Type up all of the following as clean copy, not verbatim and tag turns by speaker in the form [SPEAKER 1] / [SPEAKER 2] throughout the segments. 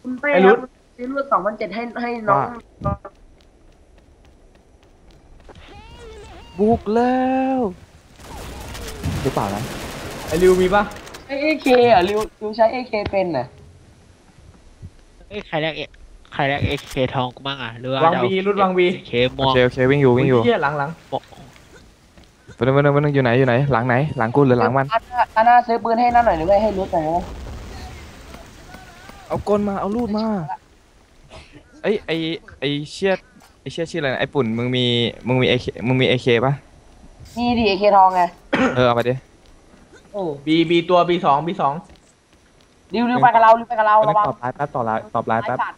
[SPEAKER 1] คุณเป้
[SPEAKER 2] ไอ้รุด
[SPEAKER 1] ครับซื้อรวด2,700ให้น้อ
[SPEAKER 3] ว่า
[SPEAKER 1] ง
[SPEAKER 3] บุกแล้วหรือเปล่านะ
[SPEAKER 2] ไอ้ริวมีปะ
[SPEAKER 1] ใช้เอเคอ่ะริวใช้เอเคเป็นน่ะ
[SPEAKER 4] เอ้ยใครแรกเอเคทองกูมั่งอ่ะหรือว่า
[SPEAKER 2] วาง
[SPEAKER 4] จะเอา
[SPEAKER 2] บีรุดวางบี
[SPEAKER 4] เค
[SPEAKER 3] โอ
[SPEAKER 4] ม่วง
[SPEAKER 3] เคโอเควิ่งอยู่วิ่งอยู่
[SPEAKER 2] โอ้ยเหี้ยหลัง
[SPEAKER 4] บอก
[SPEAKER 3] ไปนึงอยู่ไหนอยู่ไหนหลังไหนหลังกูหรือหลังมัน
[SPEAKER 1] อาน่าซื้อปืนให้นั่นหน่อยหรือไม่ให้รุดหน่อยนะ
[SPEAKER 3] เอากลมาเอาลูดมาไอ้ไอ้เชียดไอ้เชียดชื่ออะไรนะไอ้ปุ่นมึงมีเอเคป่ะ
[SPEAKER 1] นี่ดิเอเคทองไง
[SPEAKER 3] เอาไปดิ
[SPEAKER 1] เออ
[SPEAKER 2] บีตัวบีสอง
[SPEAKER 1] ริวไปกับเราริวไปกับเรา
[SPEAKER 3] ไปนึ
[SPEAKER 1] ระวัง
[SPEAKER 3] งตอบไลน์แป๊บตอบไลน์แป๊บ
[SPEAKER 1] สัตว์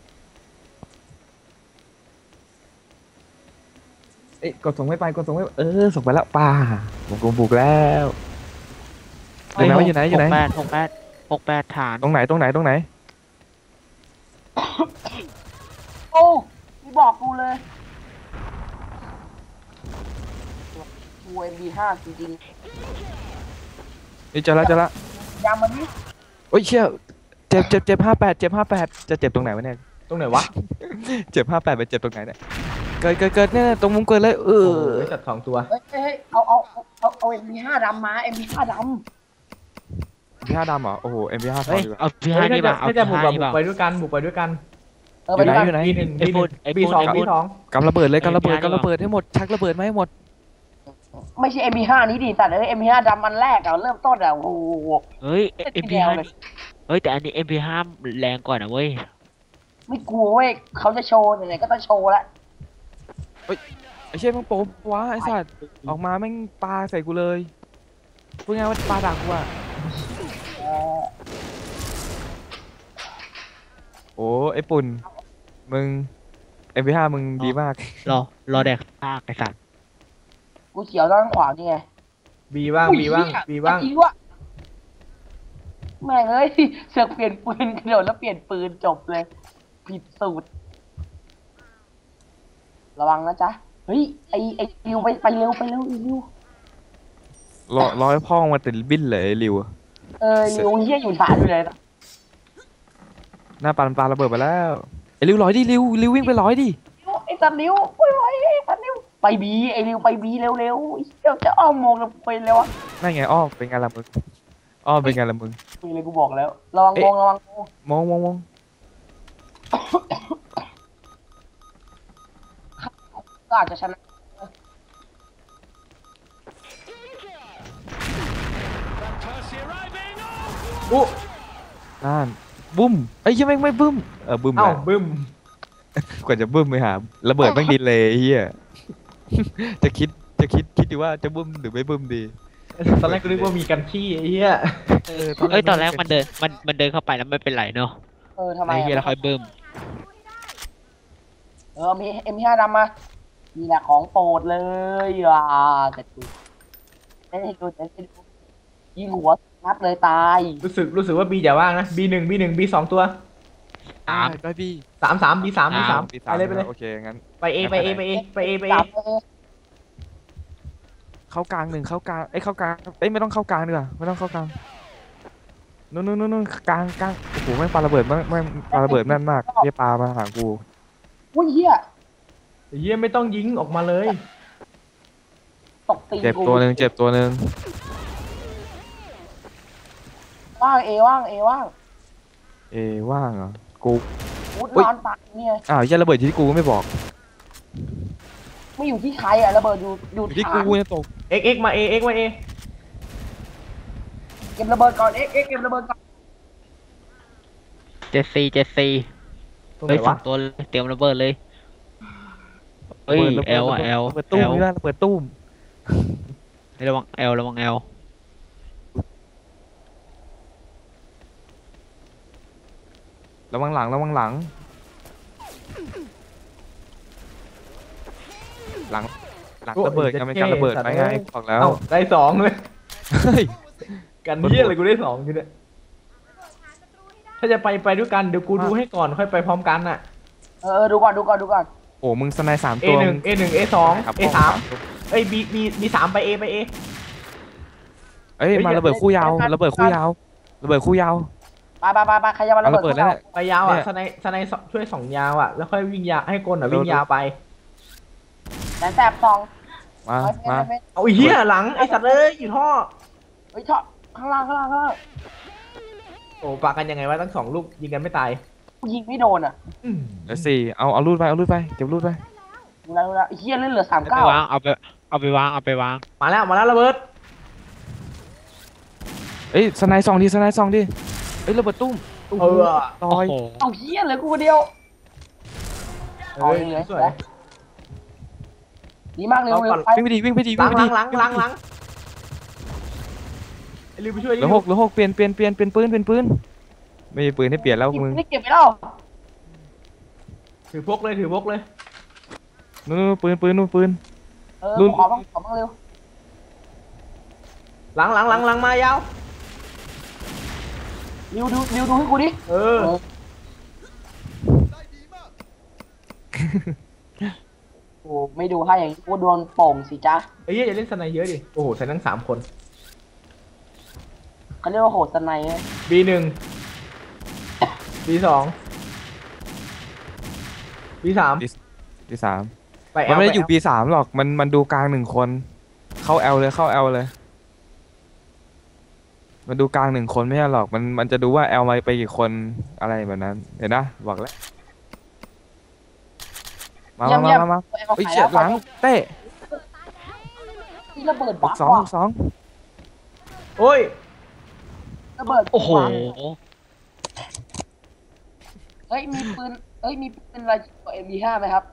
[SPEAKER 3] เอ้ยกดส่งไม่ส่งไปแล้วป่าผมบุกแล้วอยู่ไหนวะอยู่ไหน
[SPEAKER 4] 68ฐาน
[SPEAKER 3] ตรงไหน
[SPEAKER 1] โอ้มีบอกกูเลยกูMB5จริง
[SPEAKER 3] นี่เจอแล้ว
[SPEAKER 1] ๆยามมันนี่
[SPEAKER 3] โอ้ยเชี่ยเจ็บ58จะเจ็บตรงไหนวะเนี่ย
[SPEAKER 2] ตรงไหนวะ
[SPEAKER 3] เจ็บ58ไปเจ็บตรงไหนเนี่ยเกิดเนี่ยตรงมุมเกิดเลย
[SPEAKER 2] โอ้โหไอ้สัตว์2 ตัว
[SPEAKER 1] เฮ้ยเอาMB5ดำมา MB5ดำ
[SPEAKER 3] MP5ดำเหรอโอ้โห MP5 พอ
[SPEAKER 4] เฮ้ย
[SPEAKER 3] ดีกว่า
[SPEAKER 4] เอาพี่
[SPEAKER 2] เฮ้
[SPEAKER 4] ห้าย นี่ป่ะเอา
[SPEAKER 2] ถ้าจะ
[SPEAKER 4] พี่
[SPEAKER 2] บุก
[SPEAKER 4] ห้า
[SPEAKER 2] แบบ
[SPEAKER 4] นี่
[SPEAKER 2] บุก
[SPEAKER 4] ป่ะ
[SPEAKER 2] ไปด้วยกัน
[SPEAKER 1] ไปด้วยกัน
[SPEAKER 3] อยู่ไหน
[SPEAKER 2] บีหนึ่ง
[SPEAKER 4] ไอ้ปุ่น
[SPEAKER 2] บีสอง
[SPEAKER 3] กำระเบิดเลยกำระเบิดให้หมดชักระเบิดมาให้หมด
[SPEAKER 1] ไม่ใช่ MB5 นี้ดิแต่MB5 ดำมันแรกอะเริ่มต้นอะโอ้โห
[SPEAKER 4] เฮ้ย MP5 เฮ้ยแต่อันนี้ MP5 แรงกว่านะเว้ย
[SPEAKER 1] ไม่กลัวเว้ยเขาจะโชว์ไหนๆก็ต้องโชว์แล้ว
[SPEAKER 3] ไอ้เชี่ยมึงโป๊วะไอ้สัตว์ออกมาแม่งปาใส่กูเลยพูดง่ายว่าปาดักกูอะโอ้ไอ้ปุ่นมึง MP5 มึงดีมาก
[SPEAKER 4] รอแดกซากไอ้สัตว์
[SPEAKER 1] กูเขียวด้านขวานี่ไง
[SPEAKER 2] บีบ้าง
[SPEAKER 1] อุ้ยเหี้ยจริงวะแม่งเอ้ยเสือกเปลี่ยนปืนกระโดดแล้วเปลี่ยนปืนจบเลยผิดสูตรระวังนะจ๊ะเฮ้ยไอริวไปเร็วอีริว
[SPEAKER 3] รอให้พ่อมาติดบิ้นเลยไอ้ริว
[SPEAKER 1] ริวเฮียอยู่ฐานอยู่เลย
[SPEAKER 3] หน้าปาระเบิดไปแล้วไอ้ริวร้อยดิริววิ่งไปร้อยดิ
[SPEAKER 1] ไอ้สันริวโอ้ยไอ้สันริวไปบีไอริวไปบีเร็วเดี๋ยวจะอ้อมมองไปเลยวะ
[SPEAKER 3] นั่นไงอ้อเป็นไงล่ะมึงอ้อเป็นไงล่ะมึง
[SPEAKER 1] มีเลยกูบอกแล้วระวังมอง
[SPEAKER 3] มอง
[SPEAKER 1] ก็อาจจะชนะ
[SPEAKER 2] อู้
[SPEAKER 3] นั่นบึ้มไอ้ยังไม่บึ้มบึ้ม
[SPEAKER 2] เอ้า
[SPEAKER 3] แล้ว
[SPEAKER 2] บึ้ม
[SPEAKER 3] กว่าจะบึ้มไปหาระเบิดแม่งดินเลยไอ้เฮียจะคิดดีว่าจะบึ้มหรือไม่บึ้มดี
[SPEAKER 2] ตอนแรกกูนึกว่ามีกันขี้ไอ้เหี้ย
[SPEAKER 4] เอ้ยตอนแรกมันเดินเข้าไปแล้วไม่เป็นไรเนาะ
[SPEAKER 1] ทำไม
[SPEAKER 4] ไอ้เหี้ยแล้วค่อยเบิ่ม
[SPEAKER 1] มีM5ดำมานี่แหละของโปรดเลยแต่ดูยิงหัวนัดเลยตาย
[SPEAKER 2] รู้สึกว่าบีอย่าว่างนะบี1บี2 ตัว
[SPEAKER 3] ได้พี่
[SPEAKER 2] 3บี3ไปเลย
[SPEAKER 3] โอเคงั้น
[SPEAKER 2] ไปเอ
[SPEAKER 3] เข้ากลางเข้ากลางไม่ต้องเข้ากลางดีกว่าไม่ต้องเข้ากลางนู่นกลางโอ้โหแม่งปาระเบิดแม่งปาระเบิดแม่นมากเฮียปามาหากู
[SPEAKER 1] อุ้ยเฮีย
[SPEAKER 2] ไอ้เหี้ยไม่ต้องยิงออกมาเลย
[SPEAKER 1] ตกตี
[SPEAKER 3] เจ็บตัวหนึ่ง
[SPEAKER 1] ว่างว่าง
[SPEAKER 3] ว่างเหรอกู
[SPEAKER 1] นอนปากเนี่ย
[SPEAKER 3] อ้าวยันระเบิดที่กูก็ไม่บอก
[SPEAKER 1] ไม่อยู่ที่ใครอะระเบิดอยู่
[SPEAKER 3] ที่
[SPEAKER 1] ฐาน
[SPEAKER 3] กูเนี่ยตก
[SPEAKER 2] เอ็กมาเอ
[SPEAKER 1] เก็บระเบิดก่อนเก็บระเบิดก่อน
[SPEAKER 4] เจ็ดซี
[SPEAKER 2] ตรงไห
[SPEAKER 4] เฮ้
[SPEAKER 2] น
[SPEAKER 4] ยสอ
[SPEAKER 2] วะ
[SPEAKER 4] งตัวเลยเตรียมระเบิดเลยเฮ้ยแอล
[SPEAKER 3] ระเบิดตุ้มนี่ระเบิดตุ้ม
[SPEAKER 4] ระวังแอล
[SPEAKER 3] ระวังหลังหลังระเบิดกันเป็นการระเบิดไปไงบอกแล้ว
[SPEAKER 2] ได้2เลย
[SPEAKER 3] เฮ้ย
[SPEAKER 2] กันเหี้ยอะไรกูได้2อยู่เนี่ยถ้าจะไปด้วยกันเดี๋ยวกูดูให้ก่อนค่อยไปพร้อมกันน่ะ
[SPEAKER 1] ดูก่อน
[SPEAKER 3] โอ้มึงสไนด์3 ตัว
[SPEAKER 2] A1 A2 A3 เอ้ยB3ไป A
[SPEAKER 3] เอ้ยมาระเบิดคู่ยาว
[SPEAKER 1] ไปใครจะมาระ
[SPEAKER 3] เอา
[SPEAKER 1] เบิ
[SPEAKER 3] ระ
[SPEAKER 1] ด
[SPEAKER 3] เบิดแล้วเนี่ย
[SPEAKER 2] ไปยาวอ่ะ
[SPEAKER 3] เนี่ย
[SPEAKER 2] สไนช่วย2 ยาวอ่ะแล้วค่อยวิ่งยาวให้กลอ่ะวิ่งยาวไป
[SPEAKER 1] แสบสอง
[SPEAKER 3] มา มา
[SPEAKER 2] เอาไอ้เหี้ยหลังไอ้สัตว์เอ้ยอยู่ท่อ
[SPEAKER 1] เฮ้ยชอบข้างล่าง
[SPEAKER 2] โอ้ปากันยังไงวะตั้ง2 ลูกยิงกันไม่ตาย
[SPEAKER 1] ยิงไม่โดนอ่ะ
[SPEAKER 3] เดี๋ยวสี่เอารูดไปเก็บรูดไป
[SPEAKER 1] ดูแลเฮียเล่นเหลือ
[SPEAKER 4] เอาไป
[SPEAKER 1] 39
[SPEAKER 4] วางเอาไปวาง
[SPEAKER 2] มาแล้วระเบิด
[SPEAKER 3] เอ้ยสไนด์ซองดิเอ้ยระเบิดตุ้ม
[SPEAKER 2] เออ
[SPEAKER 3] ต่
[SPEAKER 4] โอ้
[SPEAKER 3] อย
[SPEAKER 4] โห
[SPEAKER 1] เอาเฮียเลยกูคนเดียว
[SPEAKER 2] เฮ้ยสวย
[SPEAKER 1] ดีมากเร็วไป
[SPEAKER 3] วิ่งไปดิวิ่งไปดิ
[SPEAKER 2] หลั
[SPEAKER 3] วิ่ง
[SPEAKER 2] ง
[SPEAKER 3] ไป
[SPEAKER 2] หลั
[SPEAKER 3] ดิ
[SPEAKER 2] งหลังหลังไอ้ลิวไปช่วย
[SPEAKER 3] เหลือหกเปลี่ยนปืนไม่มีปืนให้เปลี่ยนแล้วมึง
[SPEAKER 1] นี่เก็บไปแล้ว
[SPEAKER 2] ถือพกเลย
[SPEAKER 3] นู่นปืนนู่น
[SPEAKER 1] กูขอบ้างเร็ว
[SPEAKER 2] หลังมายาว
[SPEAKER 1] ริวดูให้กูดิ
[SPEAKER 2] เออ
[SPEAKER 1] โอ้ไม่ดูให้อย่างนี้กูโดนโป่งสิจ๊ะ
[SPEAKER 2] ไอ้เหี้ยอย่าเล่นสไนเยอะดิโอ้โหใส่ทั้ง3 คน
[SPEAKER 1] เขาเรียกว่าโหดสไนเ
[SPEAKER 2] B1 B2 B3
[SPEAKER 3] ปีสาม
[SPEAKER 2] ไป
[SPEAKER 3] มันไม่ได้
[SPEAKER 2] L
[SPEAKER 3] อยู่ปีสามหรอกมันดูกลาง1 คนเข้าแอลเลยมันดูกลาง1 คนไม่ใช่หรอกมันจะดูว่าแอลมาไปกี่คนอะไรแบบนั้นเห็นนะบอกแล้วมาเฮ้ยเฉียดหลังเตะ
[SPEAKER 1] ที่ระเบิดบัก
[SPEAKER 3] สอง
[SPEAKER 2] โอ้ย
[SPEAKER 1] ระเบิด
[SPEAKER 4] โอ้โห
[SPEAKER 1] เฮ้ยมีปืนอะไรM25ไหมครับ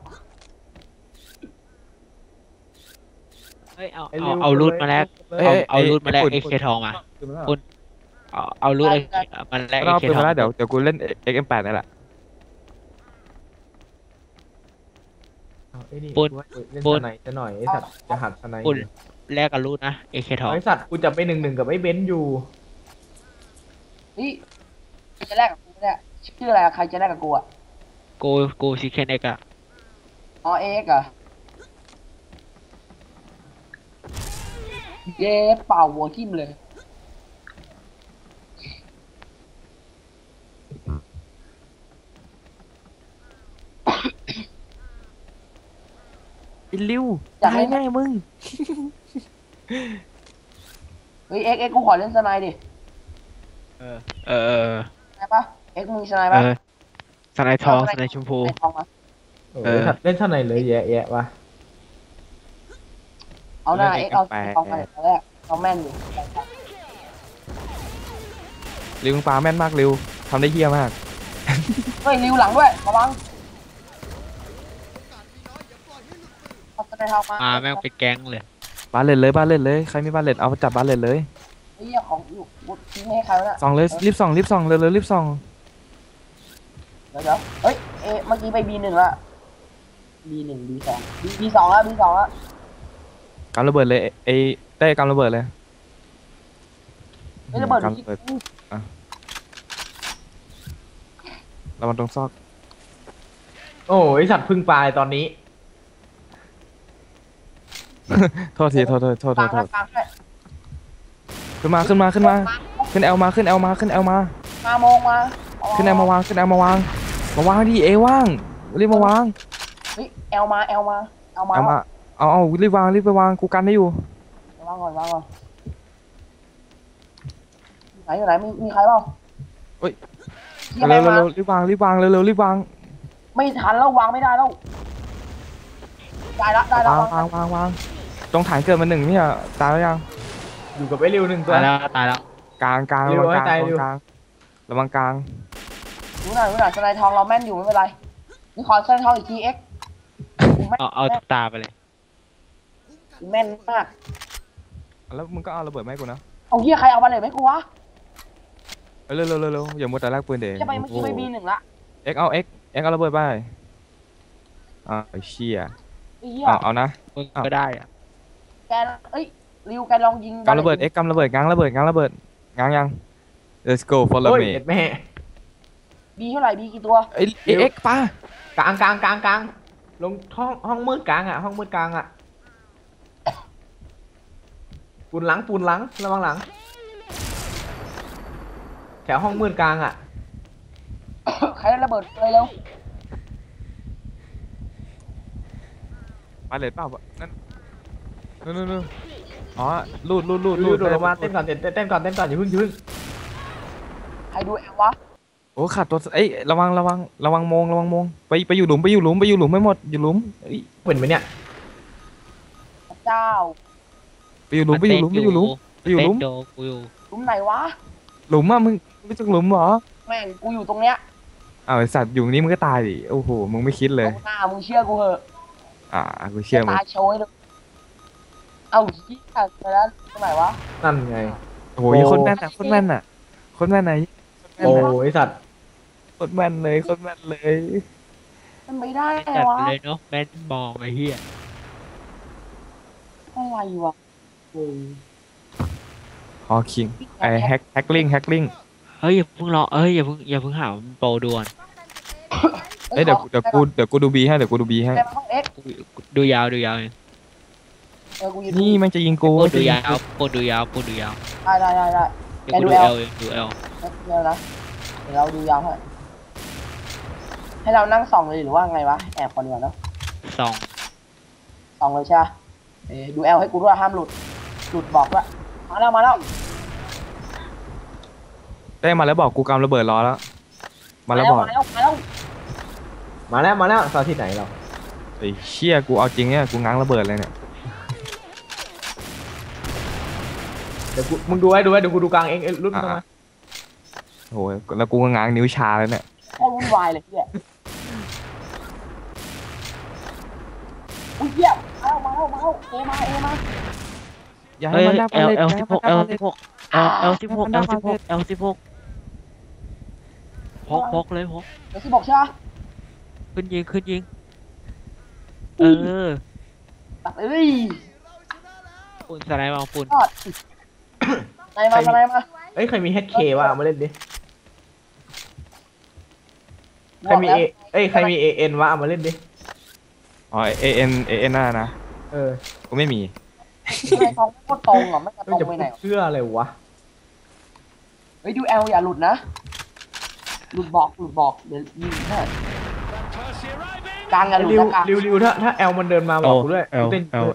[SPEAKER 4] เฮ้ยเอา
[SPEAKER 2] ไอ้ลิว
[SPEAKER 4] เอารูดมาแลก เอารูดมาแลก
[SPEAKER 3] ปุ่น
[SPEAKER 4] เอเคทองมาเอารูดมาแลก
[SPEAKER 3] ก็
[SPEAKER 4] เอ
[SPEAKER 3] เอา
[SPEAKER 4] เค
[SPEAKER 3] ปืน
[SPEAKER 4] ทอง
[SPEAKER 3] มาแล้วเดี๋ยวกูเล่น XM8 นี่แหละ
[SPEAKER 2] เอาไอ้นี่
[SPEAKER 4] ปุ่น
[SPEAKER 2] เล่น
[SPEAKER 4] ปุ่
[SPEAKER 2] ส
[SPEAKER 4] น
[SPEAKER 2] ไนจะหน่อยไอ้สัตว์จะหัดสไน
[SPEAKER 4] ปุ่นแลกกับรูดนะเอเคทอง
[SPEAKER 2] ไอ้สัตว์กูจะไป1-1กับไอ้เบนซ์อยู่
[SPEAKER 1] นี่ใครจะแลกกับกูเนี่ยชื่ออะไรใครจะแลกกับกูอ่ะ
[SPEAKER 4] กูชิคเก้นเอ็กอะ
[SPEAKER 1] อ๋อเอ็กอะเย้เป่าหัวทิ่มเลย
[SPEAKER 3] อินลิว
[SPEAKER 1] อยากให้
[SPEAKER 3] ตายแน่มึง
[SPEAKER 1] เฮ้ยเอ็กกูขอเล่นสไนด์ดิ
[SPEAKER 4] เออ
[SPEAKER 1] ได้ปะเอ็กมึงสไนด์
[SPEAKER 4] เอ
[SPEAKER 1] ปะ
[SPEAKER 4] อสไนทองสไนชมพู
[SPEAKER 1] สไนด์ทองมา
[SPEAKER 2] โอ้ยสัตว์เล่นสไนเลยแยะวะ
[SPEAKER 1] เอาหน้าเอ็กเอาทองมาเดี๋ยวตอนแรกเอาแม่นอยู่
[SPEAKER 3] ลิวมึงปาแม่นมากลิวทำได้เฮี้ยมาก
[SPEAKER 1] เฮ้ยริวหลังด้วยระวังเอาสไนด์ทองมา
[SPEAKER 4] มาแม่งเป็นแก๊งเลย
[SPEAKER 3] บาเลตเลยใครมีบาเลตเอาไปจับบาเลตเลย
[SPEAKER 1] เฮ้ยของอยู่กูทิ้งให้ใครวะเนี่ย
[SPEAKER 3] ส่องเลยรีบส่องเร็วรีบส่อง
[SPEAKER 1] เดี๋ยวเฮ้ยเมื่อกี้ไป B1 ละ B1 B2 B2 แล้ว B2 แล้ว
[SPEAKER 3] กำระเบิดเลยไอ้ได้กำระเบิดเลย
[SPEAKER 1] ไม่ระเบิด
[SPEAKER 3] กำระเบิดระวังตรงซอก
[SPEAKER 2] โอ้ยไอ้สัตว์พึ่งปลายตอนนี้
[SPEAKER 3] โทษที
[SPEAKER 1] กลางแล้วกลางด้วย
[SPEAKER 3] ขึ้นแอลมาขึ้นแอลมา
[SPEAKER 1] มาโมงมา
[SPEAKER 3] ขึ้นแอลมาวางดิเอว่างรีบมาวาง
[SPEAKER 1] เฮ้ยแอลมา
[SPEAKER 3] เอารีบไปวางกูกันได้อยู่
[SPEAKER 1] วางก่อนอยู่ไหนมีใครเปล่า
[SPEAKER 3] เฮ้ย
[SPEAKER 1] ที่อะไรมา
[SPEAKER 3] เร็วรีบวางรีบวาง
[SPEAKER 1] ไม่ทันแล้ววางไม่ได้แล้วได้แล้ว
[SPEAKER 3] วางตรงฐานเกิดมา1เนี่ยตายแล้วยัง
[SPEAKER 2] อยู่กับไอ้ริว1 ตัว
[SPEAKER 4] ตายแล้ว
[SPEAKER 3] กลาง
[SPEAKER 2] เร็ว
[SPEAKER 3] ระวัง
[SPEAKER 2] ให้ตายเร็ว
[SPEAKER 3] กลางระวังกลาง
[SPEAKER 1] รู้หน่อยสไนทองเราแม่นอยู่ไม่เป็นไรนี่ขอสไนทองอีกทีเอ็ก
[SPEAKER 4] เอาตาไปเลย
[SPEAKER 1] แม่นมาก
[SPEAKER 3] แล้วมึงก็เอาระเบิดมาให้กูนะ
[SPEAKER 1] เอาเฮียใครเอามาเลยไหมกูวะ
[SPEAKER 3] เร็วอย่ามัวแต่แลกปืนเด็ก
[SPEAKER 1] จะไปเมื่อกี้ไป B1 ละ
[SPEAKER 3] เอ็กเอาระเบิดไปไอ้เชี่ย
[SPEAKER 1] ไอ้เฮีย
[SPEAKER 3] เอานะ
[SPEAKER 4] มึงก็ได้อะ
[SPEAKER 1] แกริวแกลองยิง
[SPEAKER 3] กำระเบิดเอ็กกำระเบิดง้างยัง let's go follow
[SPEAKER 2] โอ้ย
[SPEAKER 3] me
[SPEAKER 2] เอ็ดแม่
[SPEAKER 1] บีเท่าไหร่บีกี่ตัว
[SPEAKER 3] เอ็กป้าก
[SPEAKER 2] ลางลงห้องมืดกลางอ่ะห้องมืดกลางอ่ะปูนหลังระวังหลังถวห้องมืดกลางอ่ะ
[SPEAKER 1] ใครได้ระเบิดเลยเร็ว
[SPEAKER 3] มาเลยเปล่าวะนั่นนู่นอ๋อลูด
[SPEAKER 2] ดูดูลงมาเต้นก่อนเต้นก่อนอย่าเพิ่ง
[SPEAKER 1] ใครดูแอลวะ
[SPEAKER 3] โอ้ขาดตัวเอ้ยระวังมงไปอยู่หลุมไม่หมดอยู่หลุมเอ้ย
[SPEAKER 2] เห็นไหมเนี่ย
[SPEAKER 1] พระเจ้า
[SPEAKER 3] ไปอยู่หลุม
[SPEAKER 4] เต้นโดกูอยู่
[SPEAKER 1] หลุมไหนวะ
[SPEAKER 3] หลุมอ่ะมึงไม่จักหลุมเหรอ
[SPEAKER 1] แม่งกูอยู่ตรงเนี้ย
[SPEAKER 3] อ้าวไอสัตว์อยู่นี่มึงก็ตายดิโอ้โหมึงไม่คิดเลย
[SPEAKER 1] เอาหน้ามึงเชื่อกูเหอะ
[SPEAKER 3] กูเชื่อมึง
[SPEAKER 1] ตายโชยเลยเอาชี้อ่ะไปแล้วตรงไหนวะ
[SPEAKER 2] นั่นไง
[SPEAKER 3] โอ้โหคนแม่นอ่ะคนแม่นไหน
[SPEAKER 2] โอ้ไอสัตว์
[SPEAKER 3] คนแม่นเลย
[SPEAKER 1] มันไม่ได้ไง
[SPEAKER 4] จัด
[SPEAKER 1] วะ
[SPEAKER 4] ไปเลยเนาะแม่นมองไอ้เหี้ย
[SPEAKER 1] อะไรวะโอ้ย
[SPEAKER 3] ฮอคิงไอแฮกลิง
[SPEAKER 4] เฮ้ยอย่าเพิ่งรออย่าเพิ่งหามันโปรด่วน
[SPEAKER 3] เอ้ยเดี๋ยวกูดูบีให้
[SPEAKER 1] แต่มันต้องเอ็กซ์
[SPEAKER 4] ดูยาวเอง
[SPEAKER 1] กูอยู่
[SPEAKER 3] นี่มันจะยิงกู
[SPEAKER 4] โปรดูยาวโปรดูยาว
[SPEAKER 1] ได้
[SPEAKER 4] เดี๋ยวกูดูเอลเองดูเอล
[SPEAKER 1] เดี๋ยวนะเดี๋ยวเราดูยาวให้เรานั่งส่องเลยหรือว่าไงวะแอบคนเดียวเนาะ
[SPEAKER 4] สอง
[SPEAKER 1] ส่องเลยใช่ไหมดูแอลให้กูด้วยห้ามหลุดบอกด้วยมาแล้ว
[SPEAKER 3] ได้มาแล้วบอกกูกำระเบิดรอแล้วมาแล้วบอก
[SPEAKER 1] มา
[SPEAKER 2] มาแล้วตอนที่ไหนเรา
[SPEAKER 3] ไอ้เชี่ยกูเอาจริงเนี่ยกูง้างระเบิดเลยเนี่ย
[SPEAKER 2] เดี๋ยวมึงดูไว้เดี๋ยวกูดูกลางเองรุ่นเข้ามา
[SPEAKER 3] โอ้ยแล้วกูก็ง้างนิ้วชาแล้วเนี่ย
[SPEAKER 1] โคตรวุ่นวายเลยเนี่ยอุ้ยเหี้ยมาแล้วเอมา
[SPEAKER 3] อย่า
[SPEAKER 4] เฮ้
[SPEAKER 3] ให้
[SPEAKER 4] ย
[SPEAKER 3] มันได้
[SPEAKER 4] L16 พกเลย
[SPEAKER 1] เดี๋ยว16ใช่ไหม
[SPEAKER 4] ขึ้นยิง
[SPEAKER 1] ตัดเอ้ย
[SPEAKER 4] ปุ่นสไลด์มาปุ่น
[SPEAKER 1] ยอดไหนมา
[SPEAKER 2] เอ้ยใครมี HK วะเอามาเล่นดิใครมีใครมี AN วะเอามาเล่นดิ
[SPEAKER 3] อ๋อAN น่านะ
[SPEAKER 2] เออ
[SPEAKER 3] กูไม่มี
[SPEAKER 1] ทำไมท้องไม่โคตรตรงอ่ะไม่กระต
[SPEAKER 2] ไม่
[SPEAKER 1] รง
[SPEAKER 2] จะ
[SPEAKER 1] ไปไหน
[SPEAKER 2] เชื่ออะไรวะ
[SPEAKER 1] เฮ้ยดูแอลอย่าหลุดนะหลุดบอกเดี๋ยวยิงให้กลางอย่าหลุดนะกลาง
[SPEAKER 2] ริวถ้า L มันเดินมาบอกกูด้วยกูเต้นด้วย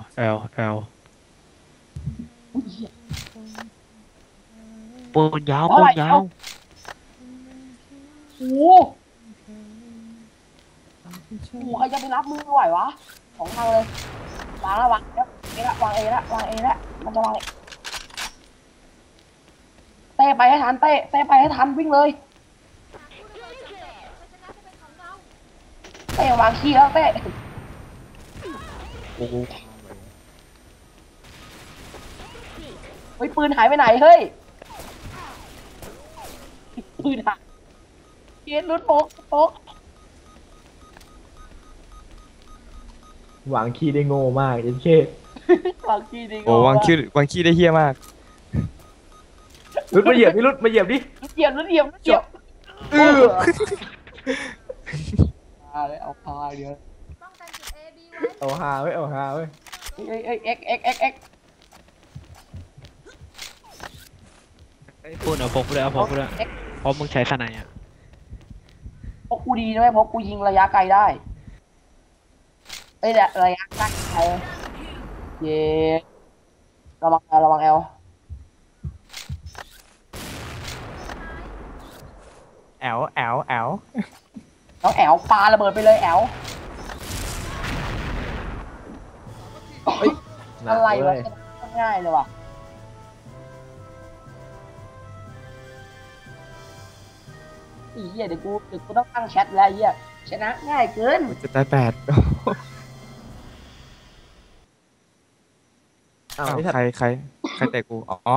[SPEAKER 4] ปุ่นยาว
[SPEAKER 1] โอ้โหใครจะไปรับมือไหววะสองทางเลยวางแล้ววางเอละมันจะวางเต้ไปให้ทันเต้ไปให้ทันวิ่งเลยเต้วางขี้แล้วเต้เฮ้ยปืนหายไปไหนเฮ้ยปืนหายเย็นรุดโป๊ก
[SPEAKER 2] หวังคีย์ได้โง่มากเอ็นเคว
[SPEAKER 1] างขี้ดิ
[SPEAKER 3] โอ้วางคิวได้เฮี้ยมาก
[SPEAKER 2] รุดมาเหยียบดิรุดมาเหยียบดิ
[SPEAKER 1] เหยียบ เอาพาเดี๋ยว
[SPEAKER 2] เอาฮาเว้ย
[SPEAKER 1] เอ็ก
[SPEAKER 4] ปุ่นเอาพกด้วยเพราะมึงใช้สไนอ่ะ
[SPEAKER 1] พกกูดีนะพกกูยิงระยะไกลได้ระยะใกล้เย่ระวังแอล
[SPEAKER 3] แอล
[SPEAKER 1] น้องแอลปาระเบิดไปเลยแอลอะไรวะง่ายเลยว่ะอีเหี้ยเดี๋ยวกูต้องตั้งแชทแล้วเหี้ยชนะง่ายเกิน
[SPEAKER 3] จะตาย8
[SPEAKER 2] อ้าว
[SPEAKER 3] ใครเตะกูอ๋อ